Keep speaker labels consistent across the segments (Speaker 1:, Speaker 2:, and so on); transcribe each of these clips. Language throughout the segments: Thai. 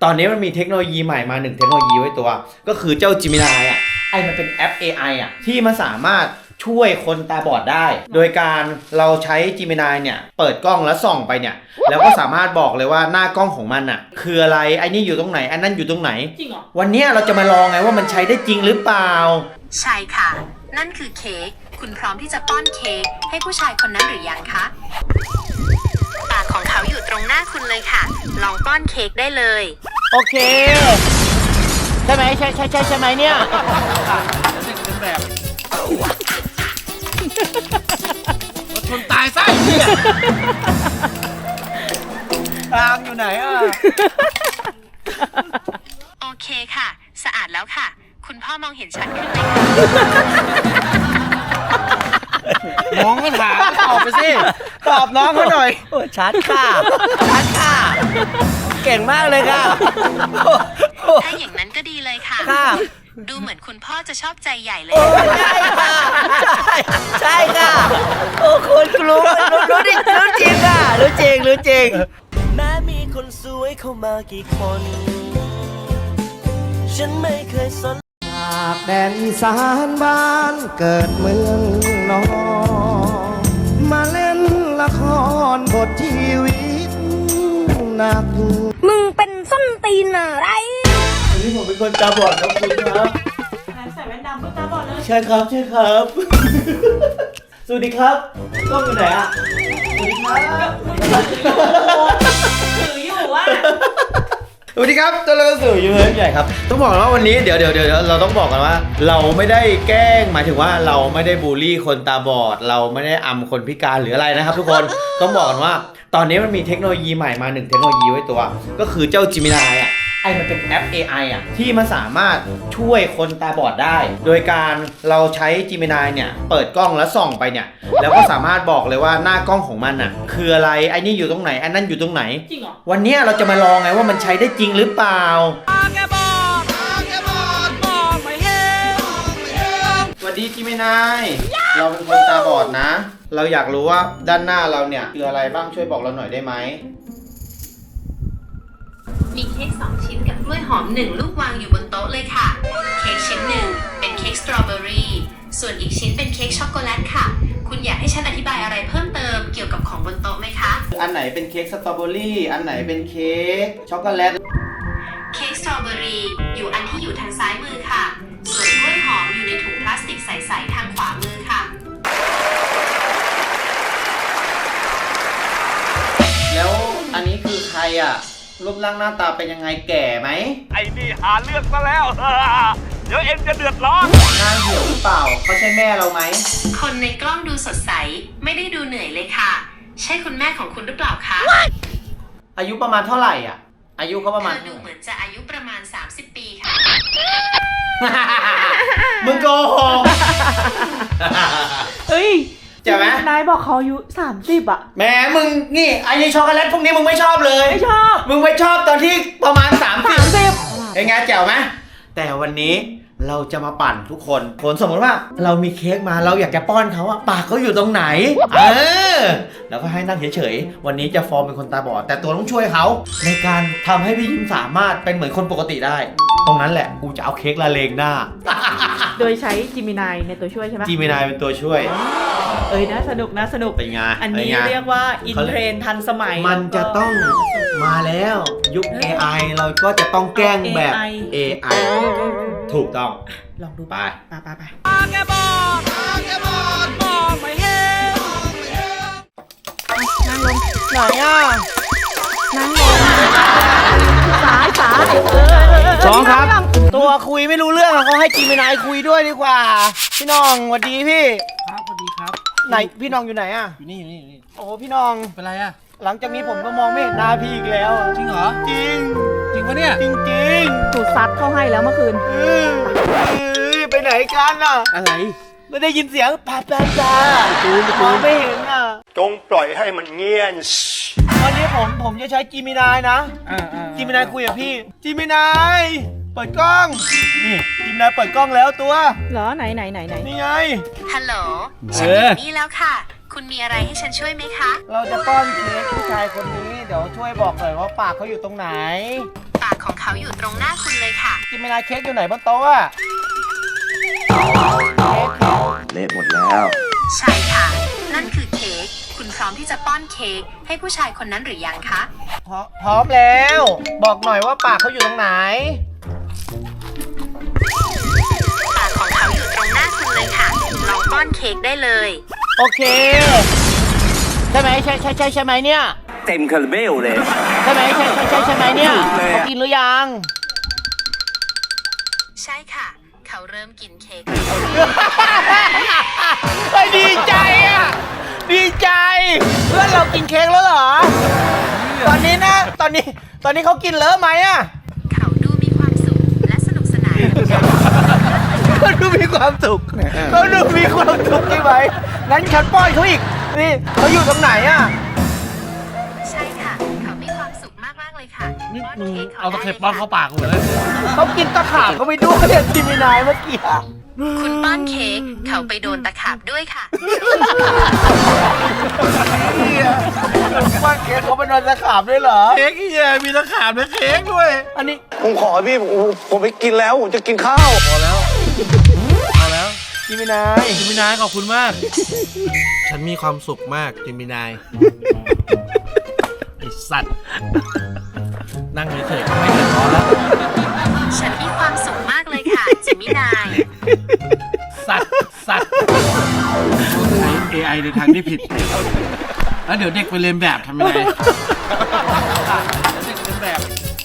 Speaker 1: ตอนนี้มันมีเทคโนโลยีใหม่มา1เทคโนโลยีไว้ตัวก็คือเจ้า Gemini อ่ะมันเป็นแอป AI อ่ะที่มันสามารถช่วยคนตาบอดได้โดยการเราใช้ Gemini เนี่ยเปิดกล้องแล้วส่องไปเนี่ยแล้วก็สามารถบอกเลยว่าหน้ากล้องของมันอ่ะคืออะไรไอ้นี่อยู่ตรงไหนอันนั้นอยู่ตรงไหน
Speaker 2: จริงเหรอ
Speaker 1: วันนี้เราจะมาลองไงว่ามันใช้ได้จริงหรือเปล่า
Speaker 3: ใช่ค่ะนั่นคือเค้กคุณพร้อมที่จะป้อนเค้กให้ผู้ชายคนนั้นหรือยังคะปากของเขาอยู่ตรงหน้าคุณเลยค่ะลองป้อนเค้กได้เลย
Speaker 1: โอเคใช่ไหมใช่ไหมเนี่ย
Speaker 2: เป็นแบบรถชนตายซะเนี่ย
Speaker 1: ทางอยู่ไหนอ่ะ
Speaker 3: โอเคค่ะสะอาดแล้วค่ะคุณพ่อมองเห็นชัดขึ้นไหมคะ
Speaker 1: น้องก็ถามตอบไปสิตอบน้องเขาหน่อยโอ้ชัดค่ะเก่งมากเลยค่ะ
Speaker 3: ถ้าอย่างนั้นก็ดีเลยค่ะดูเหมือนคุณพ่อจะชอบใจใหญ่เลย
Speaker 1: ใช่ค่ะใช่ค่ะโอ้คุณรู้จริงค่ะรู้จริง
Speaker 4: แม้มีคนสวยเข้ามากี่คนฉันไม่เคยสนจากแดนอีสานบ้านเกิดเมืองนองมาเล่นละครบทชีวิตหนัก
Speaker 5: มึงเป็นส้นตีนอะไร
Speaker 1: วันนี้ผมเป็นคนตาบอดครับคุณครับ
Speaker 2: ใส่แว่นดำเพื่อตาบอดเลย
Speaker 1: ใช่ครับสวัสดีครับกล้องอยู่ไหนอ่ะสวัสดีครับ
Speaker 2: ถืออยู่ว่า
Speaker 1: สวัสดีครับตัวเราสื่อยูทูบใหญ่ครับต้องบอกว่าวันนี้เดี๋ยวเราต้องบอกกันว่าเราไม่ได้แกล้งหมายถึงว่าเราไม่ได้บูลลี่คนตาบอดเราไม่ได้อำคนพิการหรืออะไรนะครับทุกคนต้องบอกกันว่าตอนนี้มันมีเทคโนโลยีใหม่มา1เทคโนโลยีไว้ตัวก็คือเจ้า Gemini อ่ะมันเป็นแอป AI อ่ะที่มันสามารถช่วยคนตาบอดได้โดยการเราใช้ Gemini เนี่ยเปิดกล้องแล้วส่องไปเนี่ยแล้วก็สามารถบอกเลยว่าหน้ากล้องของมันอ่ะคืออะไรไอ้นี่อยู่ตรงไหนอันนั้นอยู่ตรงไหน
Speaker 2: จริงเหรอ
Speaker 1: วันนี้เราจะมาลองไงว่ามันใช้ได้จริงหรือเปล่าสวัสดี Gemini เราเป็นคนตาบอดนะเราอยากรู้ว่าด้านหน้าเราเนี่ยคืออะไรบ้างช่วยบอกเราหน่อยได้ไหม
Speaker 3: มีเค้ก2ชิ้นกับกล้วยหอม1ลูกวางอยู่บนโต๊ะเลยค่ะเค้กชิ้นหนึ่งเป็นเค้กสตรอเบอรี่ส่วนอีกชิ้นเป็นเค้กช็อกโกแลตค่ะคุณอยากให้ฉันอธิบายอะไรเพิ่มเติมเกี่ยวกับของบนโต๊ะไหมคะ
Speaker 1: อันไหนเป็นเค้กสตรอเบอรี่อันไหนเป็นเค้กช็อกโกแลต
Speaker 3: เค้กสตรอเบอรี่อยู่อันที่อยู่ทางซ้ายมือค่ะส่วนกล้วยหอมอยู่ในถุงพลาสติกใสๆทางขวามือค่ะ
Speaker 1: แล้วอันนี้คือใครอ่ะรูปร่างหน้าตาเป็นยังไงแก่ไหม
Speaker 6: ไอ้นี่หาเรื่องซะแล้ว เดี๋ยวเอ็งจะเดือดร้อน
Speaker 1: หน้าเหี่ยวหรือเปล่าเขาใช่แม่เราไหม
Speaker 3: คนในกล้องดูสดใสไม่ได้ดูเหนื่อยเลยค่ะใช่คุณแม่ของคุณหรือเปล่าคะ
Speaker 1: อายุประมาณเท่าไหร่อ่ะอายุเขาประมาณ
Speaker 3: เธอดูเหมือนจะอายุประมาณ30 ปีค่ะ
Speaker 1: มึงโกหก
Speaker 2: เฮ้ย
Speaker 1: ใช่ไหม
Speaker 2: นายบอกเขาอายุ30อ่ะ
Speaker 1: แหมมึงนี่ไอ้ช็อกโกแลตพวกนี้มึงไม่ชอบเลย
Speaker 2: ไม่ชอบ
Speaker 1: มึงไม่ชอบตอนที่ประมาณ30เป็นไงแจ๋วไหมแต่วันนี้เราจะมาปั่นทุกคนสมมติว่าเรามีเค้กมาเราอยากจะป้อนเขาอะปากเขาอยู่ตรงไหนแล้วก็ให้นั่งเฉยๆวันนี้จะฟอร์มเป็นคนตาบอดแต่ตัวต้องช่วยเขาในการทำให้พี่ยิ้มสามารถเป็นเหมือนคนปกติได้ตรงนั้นแหละกูจะเอาเค้กละเลงหน้า
Speaker 2: โดยใช้ Gemini ในตัวช่วยใช่ไหม
Speaker 1: Gemini เป็นตัวช่วย
Speaker 2: น่าสนุก
Speaker 1: เป็นไง
Speaker 2: อันนี้เรียกว่าอินเทรนทันสมัย
Speaker 1: มันจะต้องมาแล้วยุค AI เราก็จะต้องแกล้งแบบ AI ถูกต้อง
Speaker 2: ลองดู
Speaker 1: ไป
Speaker 2: แกบอดมองไม่เห็นนั่งลงไหนอ่ะนั่งลงสาย
Speaker 1: สองครับตัวคุยไม่รู้เรื่องเขาให้Geminiคุยด้วยดีกว่าพี่น้องสวัสดีพี่
Speaker 2: ครับสวัสดีครับ
Speaker 1: ไหนพี่น้องอยู่ไหนอ่ะ
Speaker 2: อยู่นี่
Speaker 1: โอ้พี่น้อง
Speaker 2: เป็นไรอ่ะ
Speaker 1: หลังจากนี้ผมก็มองไม่เห็นหน้าพี่อีกแล้ว
Speaker 2: จริงเหรอ
Speaker 1: จริง
Speaker 2: ปะเนี่ย
Speaker 1: จริง
Speaker 2: ถูกซัดเข้าให้แล้วเมื่อคืน
Speaker 1: ไปไหนกันอ่ะ
Speaker 2: อะไร
Speaker 1: ไม่ได้ยินเสียงปาจูนไม่เห็นอ่ะ
Speaker 6: จงปล่อยให้มันเงียบ
Speaker 1: วันนี้ผมจะใช้GeminiนะGeminiคุยกับพี่Geminiเปิดกล้องนี่Geminiเปิดกล้องแล้วตัว
Speaker 2: เหรอไหน
Speaker 1: นี่ไง
Speaker 3: ฮัลโหลฉันอยู่นี่แล้วค่ะคุณมีอะไรให้ฉันช่วยไหมคะ
Speaker 1: เราจะป้อนเค้กผู้ชายคนนี้เดี๋ยวช่วยบอกหน่อยว่าปากเขาอยู่ตรงไหน
Speaker 3: ปากของเขาอยู่ตรงหน้าคุณเลยค่ะ
Speaker 1: จิมินายเค้กอยู่ไหนบนโต๊ะอะ
Speaker 4: เละหมดแล้ว
Speaker 3: ใช่ค่ะ นั่นคือเค้ก คุณพร้อมที่จะป้อนเค้กให้ผู้ชายคนนั้นหรือยังคะ
Speaker 1: พร้อมแล้ว บอกหน่อยว่าปากเขาอยู่ตรงไหน
Speaker 3: ปากของเขาอยู่ตรงหน้าคุณเลยค่ะ ลองป้อนเค้กได้เลย
Speaker 1: โอเค ใช่ไหมใช่ไหมเนี่ย
Speaker 6: เต็มคาราเบลเลย
Speaker 1: ใช่ไหมใช่ไหมเนี่ย
Speaker 6: เลยอะ
Speaker 1: เขากินหรือยัง
Speaker 3: ใช่ค่ะ เขาเริ่มกินเค้ก
Speaker 1: เฮ้ยดีใจอ่ะ ดีใจ เพื่อนเรากินเค้กแล้วเหรอ ตอนนี้นะตอนนี้เขากินเลอะไหมอ่ะ
Speaker 3: เขาดูมีความสุขและสนุกสนานกับการ
Speaker 1: เขาดูมีความสุขเขาดูมีความสุขใช่ไหมงั้นฉันป้อนเขาอีก นี่เขาอยู่ตรงไหนอ่ะ
Speaker 3: ใช่ค่ะ เขามีความสุขมากๆเลยค่ะป้อนเค้กเขา
Speaker 6: เอาตะ
Speaker 3: ได้
Speaker 6: เข็บ
Speaker 3: เลย
Speaker 6: ป้อนเข้า
Speaker 3: ค่ะ
Speaker 6: ปากเลย
Speaker 1: เขากินตะขาบเขาไปด้วยเนี่ยจิมินายเมื่อกี้อะ
Speaker 3: คุณป้อนเค้กเขาไปโดนตะขาบด้วยค่ะ
Speaker 1: ป้อนเค้กเขาไปนอนตะขาบด้วยเหรอ
Speaker 6: เค้กเฮียมีตะขาบและเค้กด้วย
Speaker 1: อันนี้
Speaker 7: ผมขอพี่ผมไปกินแล้ว ผมจะกินข้าว
Speaker 6: พอแล้ว
Speaker 1: จิมินาย
Speaker 6: จิมินายขอบคุณมาก ฉันมีความสุขมากจิมินายไอสัตว์ นั่งเฉยๆก็ไม่เดือดร้อนแล้ว
Speaker 3: ฉันมีความสุขมากเลยค่ะจิมินาย
Speaker 6: สัตว์ใช้ AI ในทางที่ผิด แล้วเดี๋ยวเด็กไปเรียนแบบทำยังไงเด็กเรียนแบบ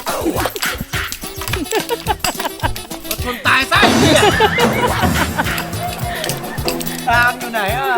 Speaker 6: รถชนตายซะไอ้เหี้ย
Speaker 1: ตามอยู่ไหนอ่ะ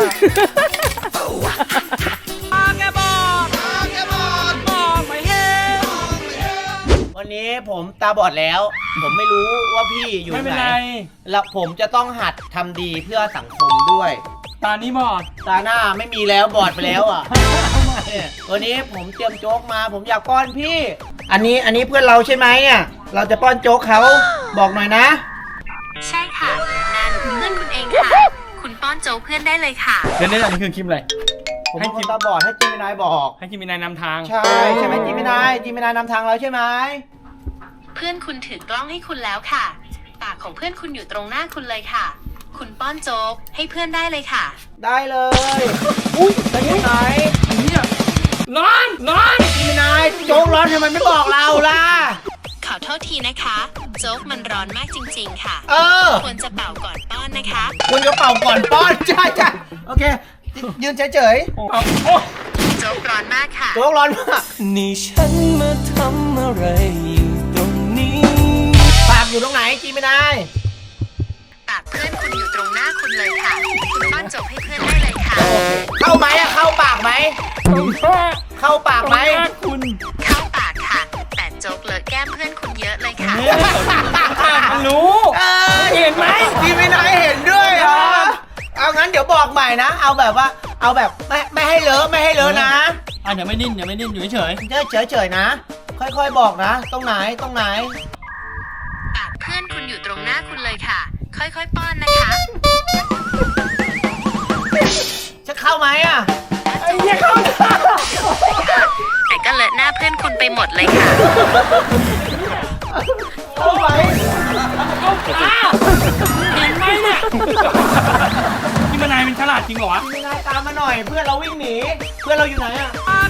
Speaker 1: วันนี้ผมตาบอดแล้ว ผมไม่รู้ว่าพี่อยู่
Speaker 6: ไม่เป็น
Speaker 1: ไหน
Speaker 6: ไร
Speaker 1: แล้วผมจะต้องหัดทำดีเพื่อสังคมด้วย
Speaker 6: ตานี้บอด
Speaker 1: ตาหน้าไม่มีแล้วบอดไปแล้วอ่ะ วันนี้ผมเตรียมโจ๊กมา ผมอยากป้อนพี่ อันนี้เพื่อนเราใช่ไหมอ่ะ เราจะป้อนโจ๊กเขาบอกหน่อยนะ
Speaker 3: ใช่ค่ะ นั่นเพื่อนคุณเองค่ะ คุณป้อนโจ๊กเพื่อนได้เลยค่ะ
Speaker 6: เดี๋ยวนี้อันนี้คือคลิปอะไร
Speaker 1: ผม
Speaker 6: ให้
Speaker 1: เป็นค
Speaker 6: จิ
Speaker 1: น
Speaker 6: ม
Speaker 1: ตาบอดให้จิมินายบอก
Speaker 6: ให้จิมินายนำทาง
Speaker 1: ใช่ไหมจิมินายนำทางเราใช่ไหม
Speaker 3: เพื่อนคุณถือกล้องให้คุณแล้วค่ะ ปากของเพื่อนคุณอยู่ตรงหน้าคุณเลยค่ะ คุณป้อนโจ๊กให้เพื่อนได้เลยค่ะ
Speaker 1: ได้เลย อุ้ยไปที่ไหน
Speaker 6: นอน
Speaker 1: จิมินายโจ๊กร้อนทำไมไม่บอกเราล่ะ
Speaker 3: ขอโทษทีนะคะ โจ๊กมันร้อนมากจริงๆค่ะ
Speaker 1: เออ
Speaker 3: ควรจะเป่าก่อนป้อนนะคะ
Speaker 1: คุณก็เป่าก่อนป้อน ใช่โอเค ยืนเฉย
Speaker 3: โจ๊กร้อนมากค่ะ
Speaker 1: ๆโจ๊กร้อนมาก
Speaker 8: นี่ฉันมาทำอะไรอยู่ตรงนี้
Speaker 1: ปากอยู่ตรงไหนจิมินาย
Speaker 3: ปากเพื่อนคุณอยู่ตรงหน้าคุณเลยค่ะ คุณป้อนโจ๊กให้เพื่อนได้เลยค่ะ
Speaker 1: เข้าไหมอะเข้าปากไหม เข้าปากไหม
Speaker 3: เข้าปากค่ะ แต่โจ๊กเลอะแก้มเพื่อนคุณเยอะเลยค่ะ
Speaker 6: มันรู้
Speaker 1: เห็นไหมจิมินายเห็นด้วยเหรอเอางั้นเดี๋ยวบอกใหม่นะ เอาแบบไม่ให้เลอะนะ
Speaker 6: เดี๋ยวไม่นิ่นอยู่เฉย
Speaker 1: เฉยๆนะ ค่อยๆบอกนะ ตรงไหน
Speaker 3: ปากเพื่อนคุณอยู่ตรงหน้าคุณเลยค่ะ ค่อยๆป้อนนะคะ
Speaker 1: จะเข้าไหมอะ
Speaker 3: แต่ก็เลอะหน้าเพื่อนคุณไปหมดเลยค่ะ
Speaker 1: เข้าไหม
Speaker 6: เห็นไหมเนี่ยจิมินายเป็นฉลาดจริงเหรอวะ
Speaker 1: จิมินายตามมาหน่อย เพื่อนเราวิ่งหนี เพื่อนเราอยู่ไหนอะ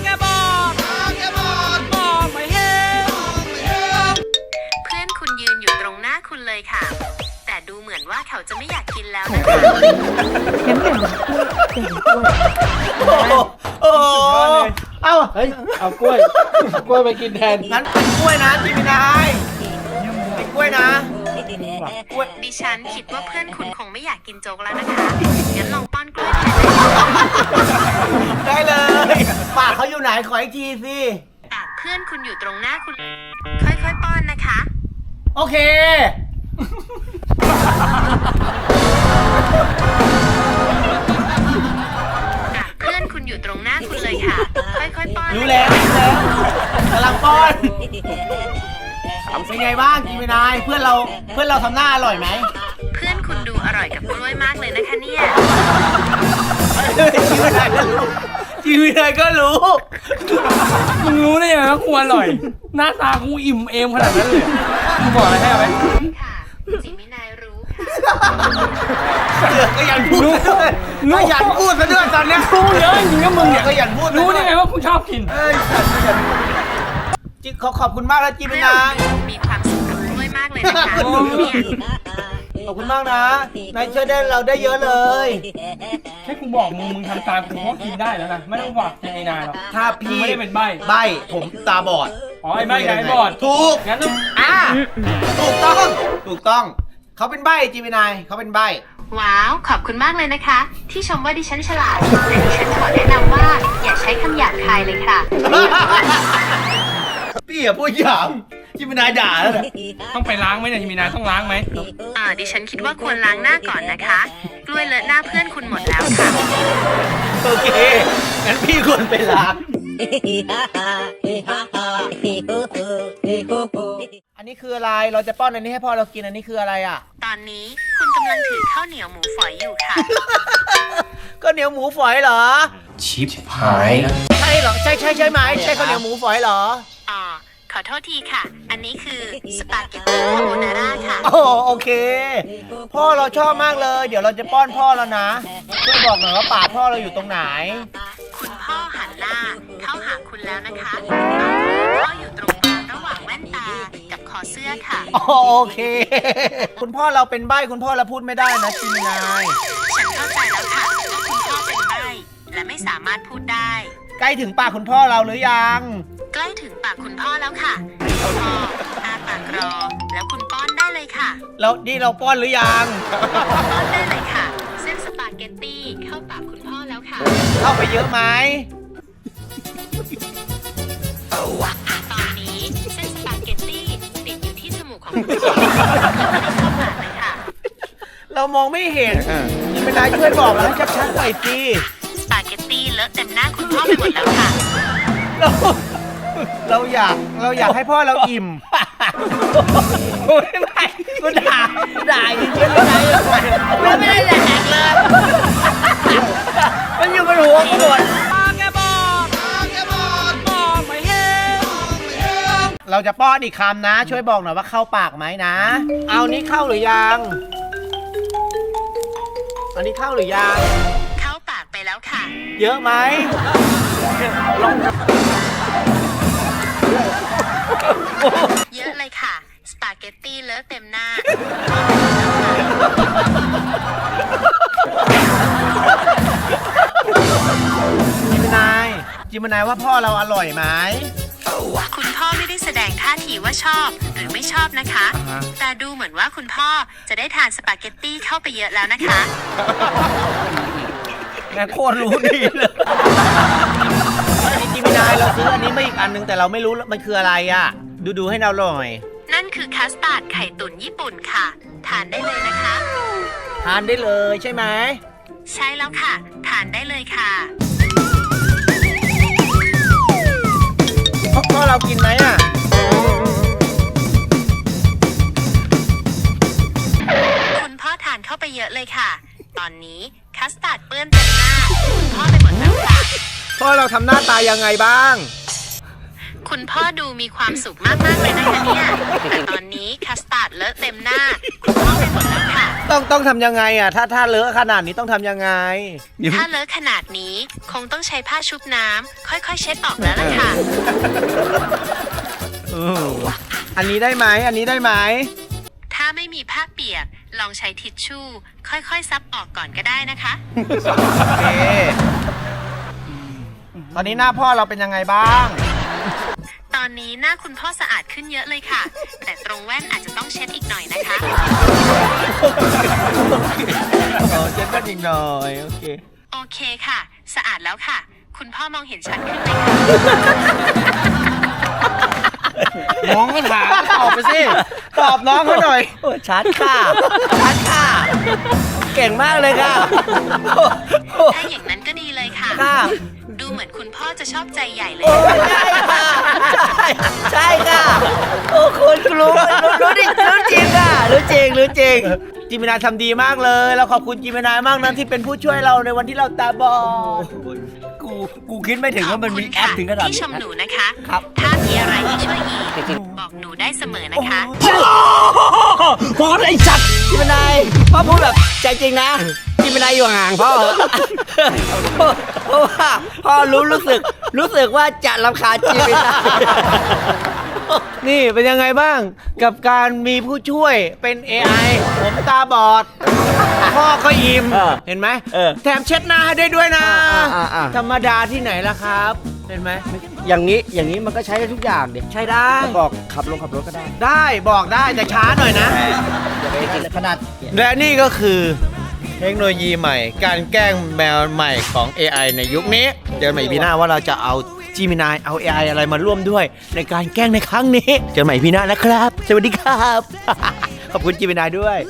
Speaker 3: เพื่อนคุณยืนอยู่ตรงหน้าคุณเลยค่ะ แต่ดูเหมือนว่าเขาจะไม่อยากกินแล้วนะคะ
Speaker 1: โอ้โหเอ้า
Speaker 6: เฮ้ย เอากล้วยไปกินแทน
Speaker 1: งั้นเป็นกล้วยนะจิมินายเป็นกล้วยนะ
Speaker 3: ดิฉันคิดว่าเพื่อนคุณคงไม่อยากกินโจ๊กแล้วนะคะ งั้นลองป้อนกล้วยแทนได้
Speaker 1: ได้เลย ปากเขาอยู่ไหน ขออีกทีสิ
Speaker 3: ปากเพื่อนคุณอยู่ตรงหน้าคุณ ค่อยๆป้อนนะคะ
Speaker 1: โอเค
Speaker 3: ปากเพื่อนคุณอยู่ตรงหน้าคุณเลยค่ะ ค่อยๆป้อน
Speaker 1: รู้แล้วกำลังป้อนเป็นไงบ้างจิมินาย เพื่อนเราทำหน้าอร่อยไหม
Speaker 3: เพื่อนคุณดูอร่อยกับกล้วยมากเลยนะคะเนี่ย
Speaker 1: จิมินายก็รู้จีมินายก็รู้
Speaker 9: มึงรู้ได้ยังไงว่ากูอร่อย หน้าตากูอิ่มเอมขนาดนั้นเลยมึงบอกอะไรให้เอาไหม
Speaker 3: ค่ะจิมินายรู้ค่ะ
Speaker 1: ก็ยันพูดซะด้วยก็ยันพูดซะด้วยตอนเนี้ย
Speaker 9: รู้เยอะจริงๆก็มึงเนี่ย
Speaker 1: ก็ยันพูดซะ
Speaker 9: รู้
Speaker 1: ด้วย
Speaker 9: ได้ไงว่ากูชอบกิน
Speaker 1: เอ้ยจิขอบคุณมากนะจีมินาย
Speaker 3: มีความสุขกับกล้วยมากเลยนะคะเนี่ย
Speaker 1: ขอบคุณมากนะนายช่วยได้เราได้เยอะเลย
Speaker 9: แค่กูบอกมึงทำตามกูก็กินได้แล้วนะ ไม่ต้องบอกไอ้นายหรอก
Speaker 1: ถ้า
Speaker 9: มึง
Speaker 1: พี่
Speaker 9: ไม่ได้เป็นใบ
Speaker 1: ใบผมตาบอด
Speaker 9: อ๋อไอ้ใบกับไอ้บอด
Speaker 1: ถูก
Speaker 9: งั้นต้อง
Speaker 1: ถูกต้องเขาเป็นใบจีมินายเขาเป็นใบ
Speaker 3: ว้าว ขอบคุณมากเลยนะคะ ที่ชมว่าดิฉันฉลาดแต่ดิฉันขอแนะนำว่าอย่าใช้คำหยาบคายเลยค่ะ
Speaker 1: พี่อย่าพูดหยาบจิมินายด่าแล้วนะ
Speaker 9: ต้องไปล้างไหมเนี่ยมีนายต้องล้างไหม
Speaker 3: ดิฉันคิดว่าควรล้างหน้าก่อนนะคะ กล้วยเลอะหน้าเพื่อนคุณหมดแล้วค่ะ
Speaker 1: โอเคงั้นพี่ควรไปล้างอันนี้คืออะไรเราจะป้อนอันนี้ให้พ่อเรากินอันนี้คืออะไรอ่ะ
Speaker 3: ตอนนี้คุณกำลังถือข้าวเหนียวหมูฝอยอยู่ค่ะ
Speaker 1: ก็เหนียวหมูฝอยเหรอ
Speaker 8: ชิบหายนะ
Speaker 1: ใช่เหรอใช่ไหมใช่ข้าวเหนียวหมูฝอยเหรอ
Speaker 3: ขอโทษทีค่ะ อันนี้คือสปาเกตตี้คาโบนาร่าค่ะ
Speaker 1: โอเค พ่อเราชอบมากเลย เดี๋ยวเราจะป้อนพ่อแล้วนะช่วยบอกหน่อยว่าปากพ่อเราอยู่ตรงไหน
Speaker 3: คุณพ่อหันหน้าเข้าหาคุณแล้วนะคะพ่ออยู่ตรงกลางระหว่างแว่นตากับคอเสื้อค่ะ
Speaker 1: โอเค คุณพ่อเราเป็นใบ้คุณพ่อเราพูดไม่ได้นะจิมินาย
Speaker 3: ฉันเข้าใจแล้วค่ะว่าคุณพ่อเป็นใบ้และไม่สามารถพูดได้
Speaker 1: ใกล้ถึงปากคุณพ่อเราหรือยัง
Speaker 3: ใกล้ถึงปากคุณพ่อแล้วค่ะคุณพ่ออาปากรอ แล้วคุณป้อนได้เลยค่ะ
Speaker 1: แล้วนี่เราป้อนหรือยัง
Speaker 3: ป้อนได้เลยค่ะ เส้นสปาเกตตี้เข้าปากคุณพ่อแล้วค่ะ
Speaker 1: เข้าไปเยอะไหม
Speaker 3: ตอนนี้เส้นสปาเกตตี้ติดอยู่ที่จมูกของคุณพ่อไม่ได้เข้าปากเลยค่ะ
Speaker 1: เรามองไม่เห็นจิมินายช่วยบอกเราให้ชัดๆหน่อยสิ
Speaker 3: สปาเกตตี้เลอะเต็มหน้าคุณพ่อไปหมดแล้วค่ะ
Speaker 1: เราอยากให้พ่อเราอิ่มไม่กูด่าจริงๆไม่ได้แดกเลยมันอยู่บนหัวกูหมดเราจะป้อนอีกคำนะ ช่วยบอกหน่อยว่าเข้าปากไหมนะ เอานี้เข้าหรือยัง อันนี้เข้าหรือยัง
Speaker 3: เข้าปากไปแล้วค่ะ
Speaker 1: เยอะไหม
Speaker 3: เยอะเลยค่ะ สปาเกตตี้เลอะเต็มหน้า
Speaker 1: จิมนายว่าพ่อเราอร่อยไหม
Speaker 3: คุณพ่อไม่ได้แสดงท่าทีว่าชอบหรือไม่ชอบนะคะ แต่ดูเหมือนว่าคุณพ่อจะได้ทานสปาเกตตี้เข้าไปเยอะแล้วนะคะ
Speaker 1: แม่โคตรรู้ดีเลยจิมนายเราซื้ออันนี้มาอีกอันนึงแต่เราไม่รู้มันคืออะไรอ่ะ ดูให้เราหน่อย
Speaker 3: นั่นคือคัสตาร์ดไข่ตุ๋นญี่ปุ่นค่ะ ทานได้เลยนะคะ
Speaker 1: ทานได้เลยใช่ไหม
Speaker 3: ใช่แล้วค่ะ ทานได้เลยค่ะ
Speaker 1: พ่อเรากินไหมอ่ะ
Speaker 3: คุณพ่อทานเข้าไปเยอะเลยค่ะ ตอนนี้คัสตาร์ดเปื้อนเต็มหน้า คุณพ่อไปหมดแล้วค่ะ
Speaker 1: พ่อเราทำหน้าตายังไงบ้าง
Speaker 3: คุณพ่อดูมีความสุขมากๆเลยนะคะเนี่ย แต่ตอนนี้คัสตาร์ดเลอะเต็มหน้า คุณพ่อไปหมดแล้วค่ะ
Speaker 1: ต้องทำยังไงอ่ะ ถ้าเลอะขนาดนี้ต้องทำยังไง
Speaker 3: ถ้าเลอะขนาดนี้คงต้องใช้ผ้าชุบน้ำค่อยๆเช็ดออกแล้วล่ะค่ะ
Speaker 1: อันนี้ได้ไหม
Speaker 3: ถ้าไม่มีผ้าเปียกลองใช้ทิชชู่ ค่อยๆซับออกก่อนก็ได้นะคะ
Speaker 1: โอเค ตอนนี้หน้าพ่อเราเป็นยังไงบ้าง
Speaker 3: ตอนนี้หน้าคุณพ่อสะอาดขึ้นเยอะเลยค่ะ แต่ตรงแว่นอาจจะต้องเช็ดอีกหน่อยนะคะ
Speaker 1: เช็ดกันอีกหน่อย โอเค
Speaker 3: โอเคค่ะ สะอาดแล้วค่ะ คุณพ่อมองเห็นชัดขึ้นไหมคะ
Speaker 1: น้องก็ถามตอบไปสิ ตอบน้องเขาหน่อยชัดค่ะ เก่งมากเลยค่ะ
Speaker 3: ถ้าอย่างนั้นก็ดีเลยค่ะ
Speaker 1: ค่ะ
Speaker 3: ดูเหมือนคุณพ่อจะชอบใจใหญ่เลย
Speaker 1: ใช่ค่ะ ใช่ค่ะ โอ้คุณรู้จริงค่ะ รู้จริง จิมินายทำดีมากเลย เราขอบคุณจิมินายมากนะที่เป็นผู้ช่วยเราในวันที่เราตาบอด กูกูคิดไม่ถึงว่ามันมีแอปถึงขนาด
Speaker 3: ที่
Speaker 1: นี้
Speaker 3: ชมหนูนะคะ
Speaker 1: ครับ
Speaker 3: ถ้ามีอะไรให้ช่วยอีกบอกหนูได้เสมอนะคะ
Speaker 1: พอไอ้จัดจิมินายพ่อพูดแบบใจจริงนะจิมินายอยู่ห่างพ่อเพราะว่าพ่อรู้สึกว่าจะรำคาญจิมินายนี่เป็นยังไงบ้างกับการมีผู้ช่วยเป็น AI ผมตาบอด พ่อก็อิ่มเห็นไหมแถมเช็ดหน้าให้ได้ด้วยนะ ธรรมดาที่ไหนล่ะครับ เห็นไหม
Speaker 4: อย่างนี้มันก็ใช้ได้ทุกอย่างดิ
Speaker 1: ใช้ได้
Speaker 4: บอกขับรถก็ได้
Speaker 1: ได้บอกได้แต่ช้าหน่อยนะ
Speaker 4: อย่าไปกินขนาด
Speaker 1: และนี่ก็คือเทคโนโลยีใหม่ การแกล้งแมวใหม่ของ AI ในยุคนี้ เจอใหม่พี่หน้าว่าเราจะเอาGemini เอา AI อะไรมาร่วมด้วย ในการแกล้งในครั้งนี้ เจอใหม่พี่หน้านะครับ สวัสดีครับ ขอบคุณGeminiด้วย